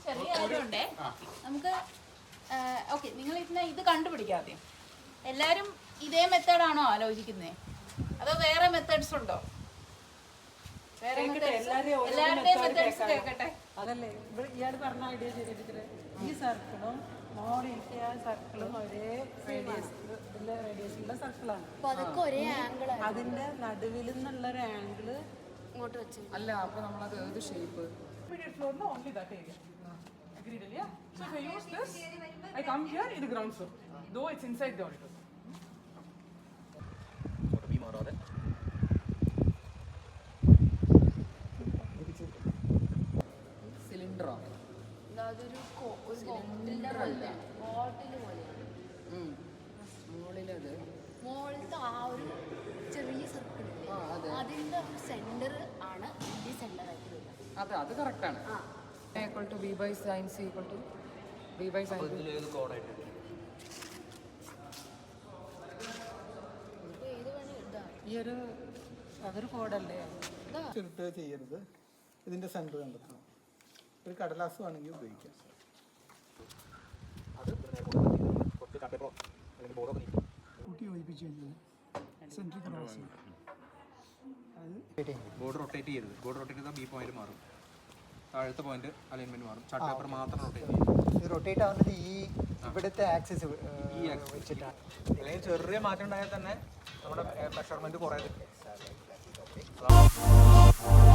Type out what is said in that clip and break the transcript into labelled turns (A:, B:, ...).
A: ചെറിയ ആയതുകൊണ്ടേ നമുക്ക് ഓക്കെ നിങ്ങൾ ഇത് കണ്ടുപിടിക്കാതെ എല്ലാരും ഇതേ മെത്തേഡാണോ ആലോചിക്കുന്നേ അതോ വേറെ മെത്തേഡ്സ് ഉണ്ടോ? എല്ലാവരുടെയും മെത്തേഡ്സ് കേൾക്കട്ടെ.
B: അതല്ലേ ഇയാൾ പറഞ്ഞ ഐഡിയ ചെയ്തിട്ട് ഈ സർക്കിളും മോളിലത്തെ ആ സർക്കിളും ഒരേ റേഡിയസിലുള്ള സർക്കിളാണ്. അതിന്റെ നടുവിൽ നിന്നുള്ളൊരു ആംഗിള്
C: ഇങ്ങോട്ട് വെച്ചു.
D: അല്ല അപ്പൊ നമ്മളത് ഏത് shape?
E: Only that area. Agreed, yeah? So if I use this, I come here, it's ground floor. Though it's inside the auditorium.
D: സിലിണ്ടറോ?
C: അതൊരു ബോട്ടില് പോലെയാണ്.
D: മുകളിലത്
C: മുകളിലത്തെ ആ ഒരു ചെറിയ സർക്കിൾ അതിന്റെ സെന്റർ ആണ് ഈ സെന്റർ ആയിട്ട് വരുന്നത്.
D: അത് കറക്റ്റാണ്. Equal to B by sine C equal to B by sine.
B: ഈ ഒരു അതൊരു കോഡല്ലേ?
F: ചുരുട്ട് ചെയ്യരുത്. ഇതിന്റെ സെന്റർ കണ്ടെത്തണം. ഒരു കടലാസ് വേണമെങ്കിൽ ഉപയോഗിക്കാം. കൂട്ടി യോജിപ്പിച്ച് കഴിഞ്ഞാൽ സെന്ററിൽ കടലാസ്
G: ബോർഡ് റൊട്ടേറ്റ് ചെയ്യരുത്. ബോർഡ് റൊട്ടേറ്റ് ചെയ്താൽ ബി പോയിന്റ് മാറും, താഴത്തെ പോയിന്റ് അലൈൻമെന്റ് മാറും. ചാർട്ട് പേപ്പർ മാത്രം റൊട്ടേറ്റ് ചെയ്യും.
F: റൊട്ടേറ്റ് ആവുന്നത് ഈ ഇവിടുത്തെ ആക്സിസ് വെച്ചിട്ടാണ്.
G: അല്ലെങ്കിൽ ചെറിയ മാറ്റം ഉണ്ടായാൽ തന്നെ നമ്മുടെ മെഷർമെന്റ് കുറേ